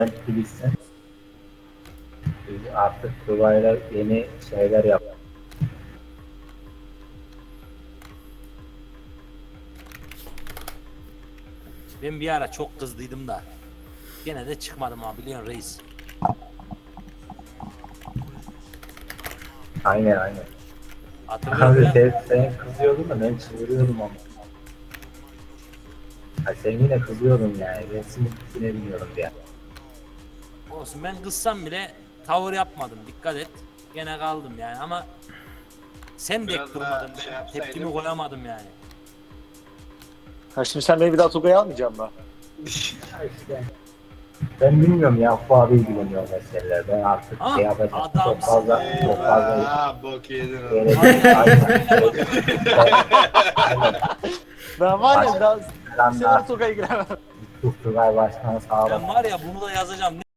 Bilirsin. Biz artık Tugay'la yeni şeyler yap. Ben bir ara çok kızdıydım da. Gene de çıkmadım abi, biliyorsun reis. Aynen. Hatırlıyorum Abi ya. sen kızıyordun da ben çığırıyordum ama. Ha, sen yine kızıyordun yani. Ben sinir bilmiyorum diye. Olsun, ben kızsam bile tavır yapmadım, dikkat et. Gene kaldım yani ama sen de Biraz daha durmadın, şey ben yapsaydım. tepkimi koyamadım yani. Ha şimdi sen beni bir daha Tugay'a almayacaksın mı? Ha işte. Ben bilmiyorum ya. Bu abi ilgileniyor meseleler. Ben artık Ha, şey yapacağım. Çok adamsın. fazla Eyvah bok yedin oğlum. Ben var ya daha Planlar. Tugay'a giremem. Tugay başkanı sağ olun. Ben var ya, bunu da yazacağım.